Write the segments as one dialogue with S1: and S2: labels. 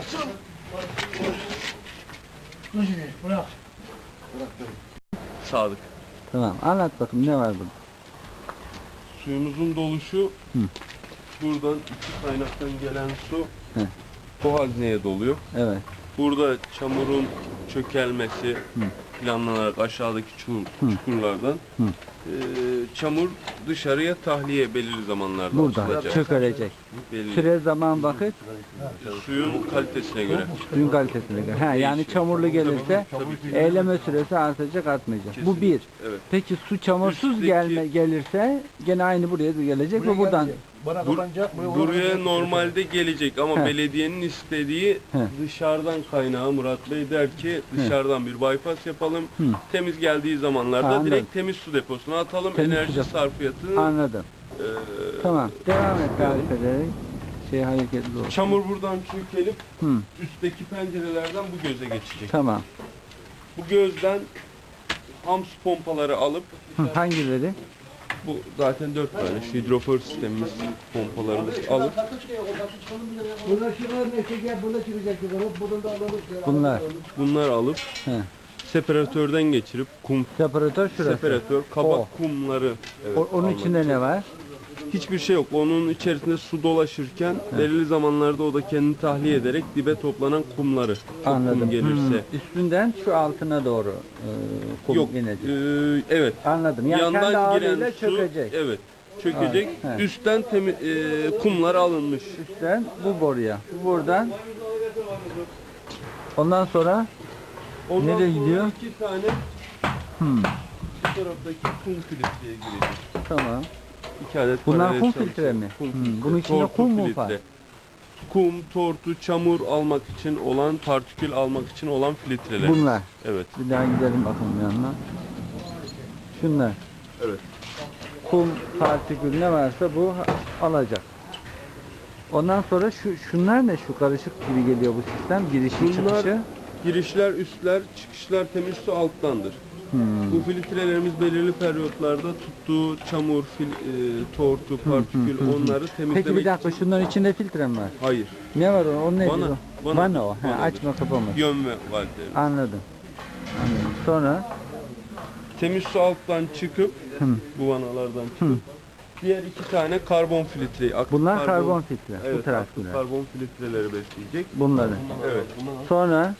S1: Bırak.
S2: Sadık.
S3: Tamam, anlat bakayım ne var burada?
S2: Suyumuzun doluşu buradan iki kaynaktan gelen su bu hazneye doluyor.
S3: Evet.
S2: Burada çamurun çökelmesi planlanarak aşağıdaki çukurlardan çamur dışarıya tahliye belirli zamanlarda
S3: Burada
S2: atılacak.
S3: çökülecek.
S2: Belli.
S3: Süre, zaman, vakit
S2: Suyun kalitesine göre.
S3: suyun kalitesine göre. Ha, yani
S2: Değişiyor.
S3: çamurlu gelirse
S2: Tabii.
S3: eyleme süresi artacak, artmayacak. Bu
S2: Kesinlikle.
S3: bir.
S2: Evet.
S3: Peki su çamursuz
S2: Üstteki-
S3: gelirse gene aynı buraya gelecek ve buradan
S1: Bana kapanacak.
S2: Buraya normalde gelecek ama
S3: He.
S2: belediyenin istediği
S3: He.
S2: dışarıdan kaynağı Murat Bey der ki dışarıdan bir bypass yapalım. Temiz geldiği zamanlarda
S3: Anladım.
S2: direkt temiz su deposuna atalım.
S3: Temiz su
S2: Enerji
S3: deposu.
S2: sarfiyatını
S3: anladım. Tamam. Devam et tarif ederek. Hareketli olsun.
S2: çamur buradan çökelip
S3: Hı.
S2: üstteki pencerelerden bu göze geçecek.
S3: Tamam.
S2: Bu gözden hams pompaları alıp
S3: Hangileri?
S2: bu zaten 4 tane şu hidrofor sistemimiz pompalarımız alıp
S1: Bunlar çıkar ne gel burada çıkacak yukarı. Buradan da alalım.
S3: Bunlar.
S2: bunlar alıp
S3: He.
S2: separatörden geçirip kum
S3: Separatör şurası.
S2: separatör kabak kumları
S3: Onun
S2: almak
S3: içinde
S2: için.
S3: ne var?
S2: Hiçbir şey yok. Onun içerisinde su dolaşırken belirli zamanlarda o da kendini tahliye ederek dibe toplanan kumları çok
S3: Anladım.
S2: kum gelirse.
S3: Üstünden şu altına doğru kum
S2: Yok.
S3: inecek.
S2: Evet.
S3: Anladım. Yani kendi
S2: Yandan
S3: ağırlığıyla
S2: giren su
S3: çökecek.
S2: evet çökecek.
S3: He.
S2: Üstten kumlar alınmış.
S3: Üstten bu boruya. Buradan. Ondan sonra
S2: Ondan
S3: nereye
S2: sonra
S3: gidiyor?
S2: 2 tane bu taraftaki kum filtreye girecek.
S3: Tamam.
S2: 2 adet
S3: Bunlar
S2: paralel
S3: kum
S2: çalışan
S3: filtre mi?
S2: kum
S3: Hmm,
S2: filtre,
S3: bunun içinde
S2: tortu
S3: kum mu
S2: filtre.
S3: var?
S2: Kum, tortu, çamur almak için olan, partikül almak için olan filtreler.
S3: Bunlar.
S2: Evet.
S3: Bir daha gidelim bakalım yanına. Şunlar.
S2: Evet.
S3: Kum, partikül ne varsa bu alacak. Ondan sonra şunlar ne? Şu karışık gibi geliyor bu sistem. Girişi
S2: Bunlar
S3: çıkışı.
S2: girişler, üstler, çıkışlar temiz su alttandır. Bu filtrelerimiz belirli periyotlarda tuttuğu çamur, tortu, partikül onları temizlemek
S3: Peki bir dakika
S2: için.
S3: şunların içinde filtre mi var?
S2: Hayır.
S3: Ne var o? O nedir
S2: Vana.
S3: o?
S2: Vana.
S3: Vana o. He,
S2: Vanadır.
S3: açma kapama.
S2: Yön ve valdeleri.
S3: Anladım. Anladım. Sonra
S2: Temiz su alttan çıkıp bu vanalardan çıkıp diğer 2 tane karbon filtreyi aktif
S3: bunlar karbon filtre. Bu
S2: Evet, aktif
S3: taraftakiler.
S2: karbon filtreleri besleyecek.
S3: Bunları.
S2: Evet.
S3: Sonra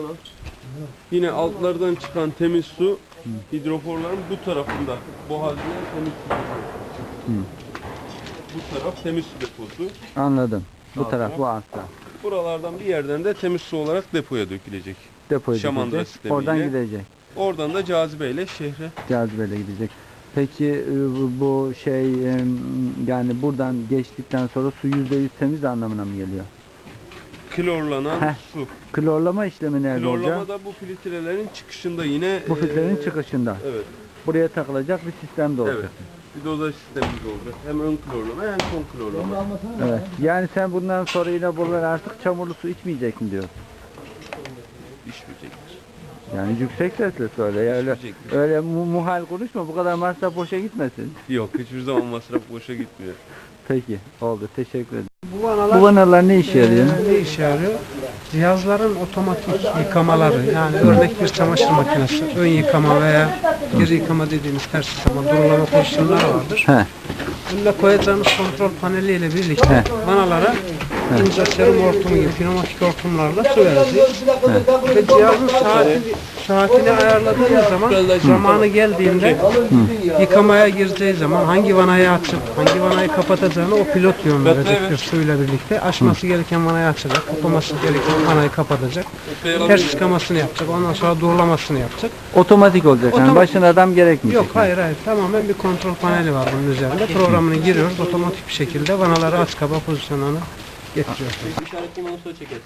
S2: Yine altlardan çıkan temiz su hidroforların bu tarafında boğazlayan temiz su deposu. Bu taraf temiz su deposu.
S3: anladım. Bu
S2: Sağ
S3: taraf
S2: taraf.
S3: bu altta.
S2: Buralardan bir yerden de temiz su olarak depoya dökülecek.
S3: Depoya
S2: Şamandıra
S3: gidecek.
S2: sistemiyle.
S3: Oradan gidecek.
S2: Oradan da cazibeyle şehre.
S3: Cazibeyle gidecek. Peki bu şey yani buradan geçtikten sonra su %100 temiz anlamına mı geliyor?
S2: Klorlanan
S3: Heh.
S2: su.
S3: Klorlama işlemi nerede olacak?
S2: Klorlama da bu filtrelerin çıkışında yine
S3: Bu filtrenin çıkışında.
S2: evet.
S3: Buraya takılacak bir sistem de olacak.
S2: Evet. Bir dozaj sistemimiz olacak. Hem ön klorlama hem son klorlama.
S3: Evet. Yani sen bundan sonra yine buralar artık çamurlu su içmeyecek mi diyorsun?
S2: İçmeyecektir.
S3: Yani yüksek sesle söyle. Ya öyle
S2: İçmeyecektir.
S3: öyle muhal konuşma. Bu kadar masraf boşa gitmesin.
S2: Yok, hiçbir zaman masraf boşa gitmiyor.
S3: Peki. Oldu. Teşekkür ederim.
S4: Bu vanalar
S3: Bu vanalar ne işe yarıyor?
S4: ne işe yarıyor? Cihazların otomatik yıkamaları, yani örnek bir çamaşır makinesi, ön yıkama veya geri yıkama dediğimiz ters yıkama, durulama pozisyonları vardır.
S3: He.
S4: Bunda koyacağımız kontrol paneliyle birlikte vanalara ince serum hortumu gibi pneumatik hortumlarla su vereceğiz. Ve cihazın saatini ayarladığımız zaman zamanı geldiğinde yıkamaya gireceği zaman hangi vanayı açıp hangi vanayı kapatacağını o pilot yön verecektir suyla birlikte. Açması gereken vanayı açacak, kapaması gereken vanayı kapatacak. Ters yıkamasını yapacak, ondan sonra durulamasını yapacak.
S3: Otomatik olacak. Yani
S4: Otomatik.
S3: başına adam gerekmeyecek.
S4: Yok, hayır, tamamen bir kontrol paneli var bunun üzerinde. Programını giriyoruz, otomatik bir şekilde vanaları aç kapa pozisyonuna getiriyor.
S5: İşaretli manusla çekeriz.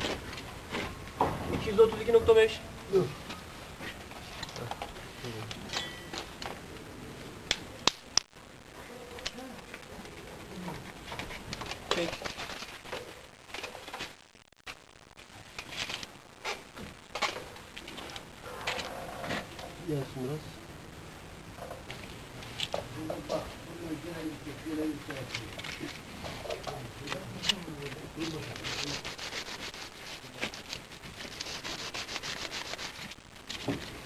S5: 232.5. Çek. Gelsin biraz.
S2: için.